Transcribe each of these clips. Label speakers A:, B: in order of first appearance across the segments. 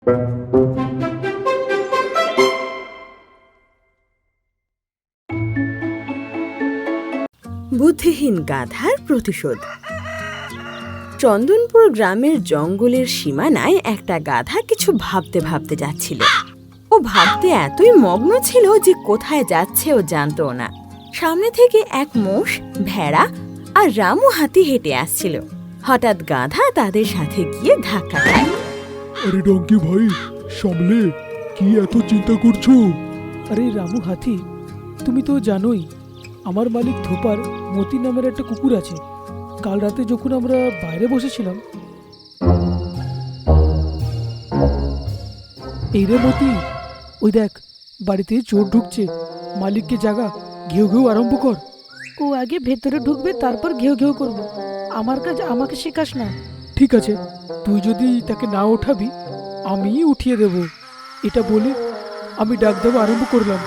A: বুদ্ধিহীন গাধার প্রতিশোধ। চন্দনপুর গ্রামের জঙ্গলের সীমানায় একটা গাধা কিছু ভাবতে ভাবতে যাচ্ছিল। ও ভাবতে এতই মগ্ন ছিল যে কোথায় যাচ্ছে ও জানতো না। সামনে থেকে এক মোষ, ভেড়া আর রামু হাতি হেঁটে আসছিল। হঠাৎ গাধা তাদের সাথে গিয়ে ধাক্কা খায়।
B: আরে ডঙ্কি ভাই, সামলে, কি এত চিন্তা করছো?
C: আরে রামু হাতি, তুমি তো জানোই আমার মালিক ধোপার মতি নামের একটা কুকুর আছে। কাল রাতে যখন আমরা বাইরে বসেছিলাম, এই রে মতি, ওই দেখ বাড়িতে চোর ঢুকছে, মালিককে জাগা, ঘেউ ঘেউ আরম্ভ কর। ও আগে ভেতরে ঢুকবে, তারপর ঘেউ ঘেউ করবো। আমার কাজ আমাকে শেখাস না। ঠিক আছে, তুই যদি তাকে না ওঠাবি আমিই উঠিয়ে দেব। এটা বলে আমি ডাক দেওয়া আরম্ভ করলাম।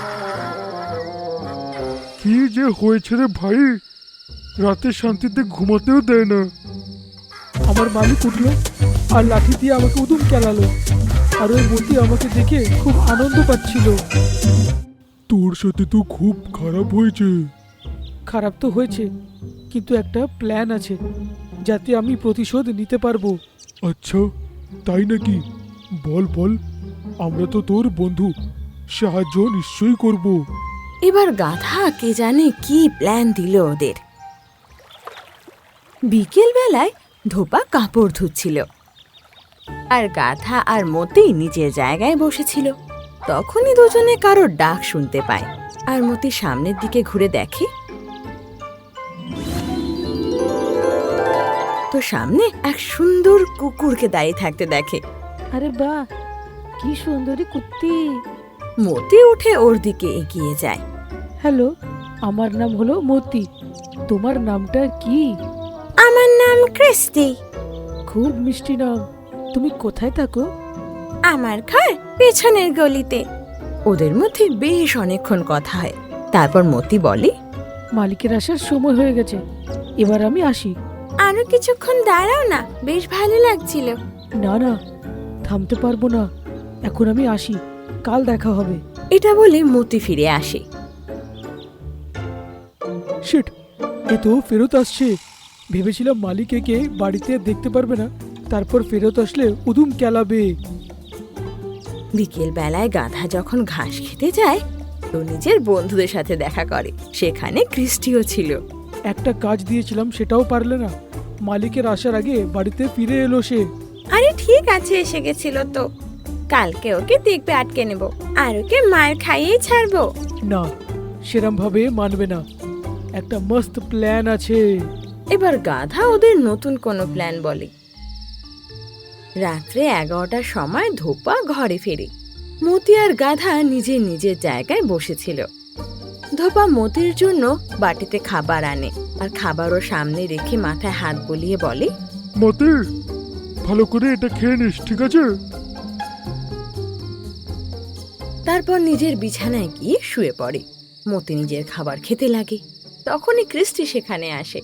B: কি যে হয়েছে রে ভাই, রাতে শান্তিতে ঘুমাতেও দেয় না।
C: আমার মালিক উঠলো আর লাঠি দিয়ে আমাকে উদুম কেলালো। আর ওই মতি আমাকে দেখে খুব আনন্দ পাচ্ছিল।
B: তোর সাথে তো খুব খারাপ হয়েছে।
C: খারাপ তো হয়েছে, কিন্তু একটা প্ল্যান আছে যাতে আমি প্রতিশোধ নিতে পারবো।
B: আচ্ছা, তাই নাকি? বল বল, আমরা তো তোর বন্ধু, সাহায্য নিশ্চয়ই করব।
A: এবার গাধা কে জানে কি প্ল্যান দিল ওদের। বিকেল বেলায় ধোপা কাপড় ধুচ্ছিল আর গাধা আর মতি নিজের জায়গায় বসেছিল। তখনই দুজনে কারোর ডাক শুনতে পায় আর মতি সামনের দিকে ঘুরে দেখে তো সামনে এক সুন্দর কুকুরকে দাঁড়িয়ে থাকতে দেখে।
C: আরে বাহ, কি সুন্দরী কুত্তি!
A: মতি উঠে ওর দিকে এগিয়ে যায়।
C: হ্যালো, আমার নাম হলো মতি। তোমার নামটা কি?
A: আমার নাম ক্রিস্টি।
C: খুব মিষ্টি নাম। তুমি কোথায় থাকো?
A: আমার ঘর পেছনের গলিতে। ওদের মধ্যে বেশ অনেকক্ষণ কথা হয়। তারপর মতি বলে,
C: মালিকের আসার সময় হয়ে গেছে, এবার আমি আসি।
A: আরো কিছুক্ষণ দাঁড়াও না, বেশ ভালো লাগছিল।
C: না না, থামতে পারবো না, এখন আমি আসি, কাল দেখা হবে।
A: এটা বলে মতি ফিরে আসে।
C: শিট, এ তো ফেরত আসছে। ভেবেছিলাম মালিক একে বাড়িতে দেখতে পারবে না, তারপর ফেরত আসলে উদুম কেলাবে।
A: বিকেল বেলায় গাধা যখন ঘাস খেতে যায় তো নিজের বন্ধুদের সাথে দেখা করে। সেখানে ক্রিস্টিও ছিল।
C: একটা কাজ দিয়েছিলাম, সেটাও পারলে না। মালিকের আসার আগে বাড়িতে ফিরে এলো সে।
A: আরে ঠিক আছে, এসে গেছিল তো, কালকে ওকে দেখবে আটকে নেব আর ওকে মার খাইয়েই ছাড়বো।
C: না, সেরম ভাবে মানবে না, একটা মস্ত প্ল্যান আছে।
A: এবার গাধা ওদের নতুন কোনো প্ল্যান বলে। রাত্রে 11টার সময় ধোপা ঘরে ফেরে। মতি আর গাধা নিজের নিজের জায়গায় বসেছিল। ধোপা মতির জন্য বাটিতে খাবার আনে আর খাবারও সামনে রেখে মাথায় হাত বুলিয়ে বলে,
B: মতি, ভালো করে এটা খেয়ে নিস, ঠিক আছে?
A: তারপর নিজের বিছানায় গিয়ে শুয়ে পড়ে। মতি নিজের খাবার খেতে লাগে। তখনই ক্রিস্টি সেখানে আসে।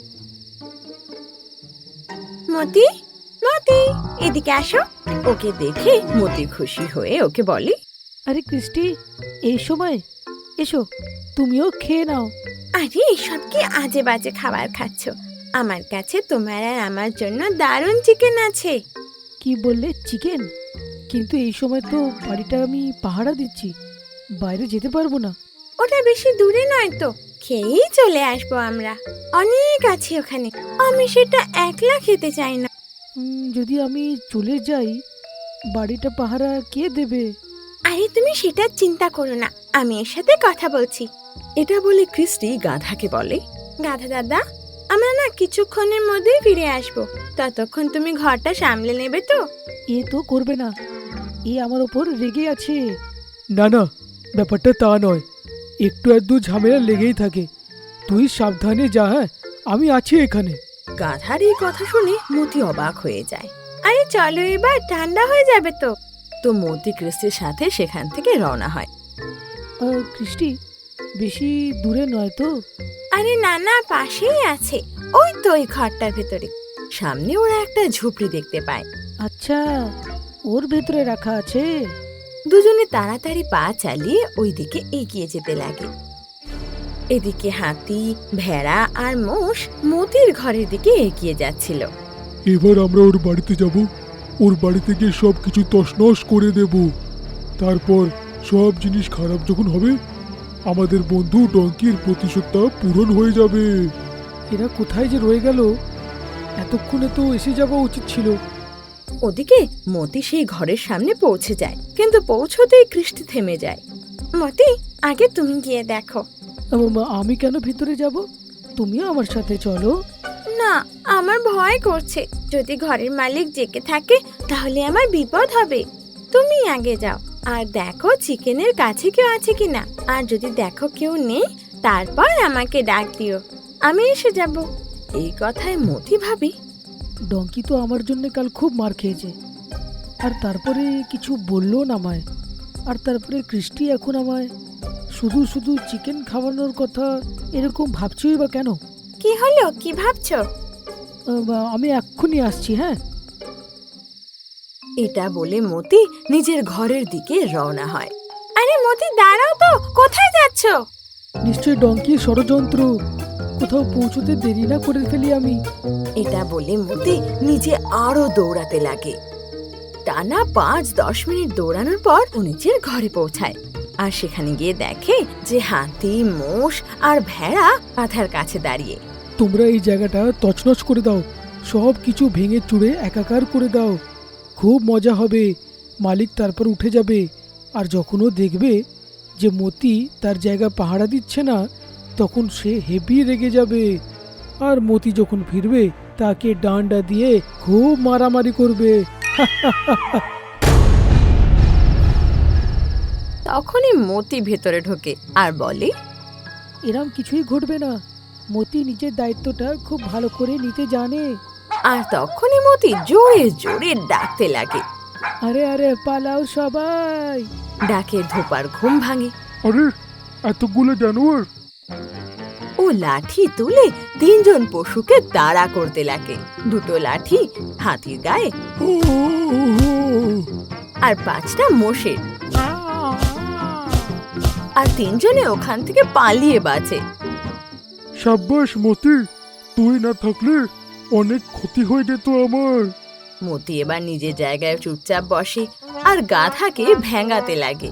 A: মতি, মতি, এদিকে আসো। ওকে দেখে মতি খুশি হয়ে ওকে বলে,
C: আরে ক্রিস্টি, এই সময় এসো, তুমিও খেয়ে নাও।
A: আরে এসব কি আজে বাজে খাবার খাচ্ছ? আমার কাছে তোমার আর আমার জন্য দারুণ চিকেন আছে।
C: কি বললে, চিকেন? কিন্তু এই সময় তো বাড়িটা আমি পাহারা দিচ্ছি, বাইরে যেতে পারবো না।
A: ওটা বেশি দূরে নয় তো, খেয়েই চলে আসবো আমরা। অনেক আছে ওখানে, আমি সেটা একলা খেতে চাই না।
C: যদি আমি চলে যাই, বাড়িটা পাহারা কে দেবে?
A: আরে তুমি সেটা চিন্তা করো না, আমি এর সাথে কথা বলছি। এটা বলে ক্রিস্টি গাধাকে বলে, গাধা দাদা, আমরা না কিছুক্ষণের মধ্যেই ফিরে আসবো, ততক্ষণ তুমি ঘরটা সামলে নেবে তো?
C: এ তো করবে না, এ আমার ওপর রেগে আছে। না না, ব্যাপারটা তা নয়, একটু আধটু ঝামেলা লেগেই থাকে। তুই সাবধানে যা, হ্যাঁ, আমি আছি এখানে।
A: গাধার এই কথা শুনে মতি অবাক হয়ে যায়। আরে চলো, এবার ঠান্ডা হয়ে যাবে তো। তো মতি ক্রিস্টির সাথে সেখান থেকে রওনা হয়।
C: ক্রিস্টি, বেশি দূরে নয় তো?
A: আরে না না, পাশেই আছে, ওই তো ওই ঘরটার ভেতরে। সামনে ওরা একটা ঝুপড়ি দেখতে পায়।
C: আচ্ছা, ওর ভেতরে রাখা আছে।
A: দুজনে তাড়াতাড়ি পা চালিয়ে ওইদিকে এগিয়ে যেতে লাগে। এদিকে হাতি, ভেড়া আর মোষ মতির ঘরের দিকে এগিয়ে যাচ্ছিল।
B: এবার আমরা ওর বাড়িতে যাব, ওর বাড়িতে গিয়ে সব কিছু তছনছ করে দেব। তারপর সব জিনিস খারাপ যখন হবে, আমাদের বন্ধু ডঙ্কির প্রতিশোধটা পূরণ হয়ে যাবে।
C: এরা কোথায় যে রয়ে গেল, এতক্ষণে তো এসে যাওয়া উচিত ছিল।
A: ওদিকে মতি সেই ঘরের সামনে পৌঁছে যায়, কিন্তু পৌঁছতেই কৃষ্টি থেমে যায়। মতি, আগে তুমি গিয়ে দেখো।
C: আমি কেন ভিতরে যাব? তুমিও আমার সাথে চলো।
A: না, আমার ভয় করছে। যদি ঘরের মালিক জেগে থাকে তাহলে আমার বিপদ হবে। তুমি আগে যাও আর দেখো চিকেনের কাছে কেউ আছে কিনা। আর যদি দেখো কেউ নেই, তারপর আমাকে ডাক দিও, আমি এসে যাব। এই কথায় মতি ভাবি,
C: ডঙ্কি তো আমার জন্য কাল খুব মার খেয়েছে, আর তারপরে কিছু বললো না আমায়। আর তারপরে কৃষ্টি এখন আমায় শুধু শুধু চিকেন খাওয়ানোর কথা এরকম ভাবছই বা কেন?
A: কি হলো, কি ভাবছো?
C: আমি এক্ষুনি আসছি। হ্যাঁ,
A: এটা বলে মতি নিজের ঘরের দিকে রওনা হয়। আরে মতি, দাঁড়াও তো, কোথায় যাচ্ছ?
C: নিশ্চয়ই ডঙ্কির ষড়যন্ত্র। কোথাও পৌঁছতে দেরি না করে ফেলি আমি।
A: এটা বলে মতি নিজে আরো দৌড়াতে লাগে। টানা 5-10 মিনিট দৌড়ানোর পর ও নিজের ঘরে পৌঁছায়। আর সেখানে গিয়ে দেখে যে হাতি, মোষ আর ভেড়া গাধার কাছে দাঁড়িয়ে।
C: তোমরা এই জায়গাটা তছনছ করে দাও, সব কিছু ভেঙে চুড়ে একাকার করে দাও। খুব মজা হবে। মালিক তারপর উঠে যাবে, আর যখন ও দেখবে যে মতি তার জায়গা পাহারা দিচ্ছে না, তখন সে হেভি রেগে যাবে। আর মতি যখন ফিরবে তাকে ডান্ডা দিয়ে খুব মারামারি করবে।
A: তখনই মতি ভেতরে ঢোকে আর বলে,
C: এরম কিছুই ঘটবে না। মতি নিজের দায়িত্বটা খুব ভালো করে নিতে জানে।
A: আর তখনই মতি জোরে জোরে ডাকতে লাগে।
C: আরে আরে পালাও সবাই।
A: ডাকে ধোপার ঘুম ভাঙে।
B: আরে এতগুলো জানোয়ার!
A: ও লাঠি তুলে 3জন পশুকে তাড়া করতে লাগে। 2টো লাঠি হাতির গায়ে আর 5টা মোষের। আর 3জনে ওখান থেকে পালিয়ে বাঁচে।
B: সাব্বাস মতি, তুই না থাকলে অনেক ক্ষতি হয়ে যেত আমার।
A: মতি এবার নিজের জায়গায় চুপচাপ বসে আর গাধাকে ভেঙাতে লাগে।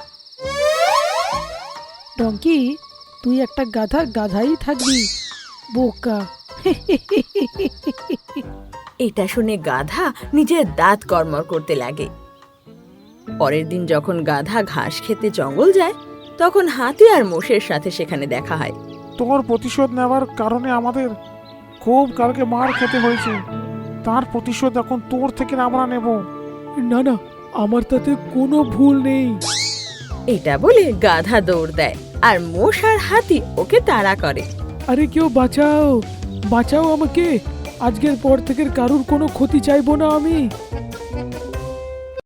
C: ডঙ্কি, তুই একটা গাধাই থাকবি, বোকা।
A: এটা শুনে গাধা নিজের দাঁত কড়মড় করতে লাগে। পরের দিন যখন গাধা ঘাস খেতে জঙ্গল যায়, তখন হাতি আর মোষের সাথে সেখানে দেখা হয়।
D: তোর প্রতিশোধ নেওয়ার কারণে আমাদের খুব কালকে মার খেতে হয়েছে। তার প্রতিশোধ এখন তোর থেকে আমরা নেব।
C: না না, আমার তাতে কোনো ভুল নেই।
A: এটা বলে গাধা দৌড় দেয় আর মোষ আর হাতি ওকে তাড়া করে।
C: আরে কেউ বাঁচাও, বাঁচাও আমাকে। আজকের পর থেকে কারুর কোনো ক্ষতি চাইবো না আমি।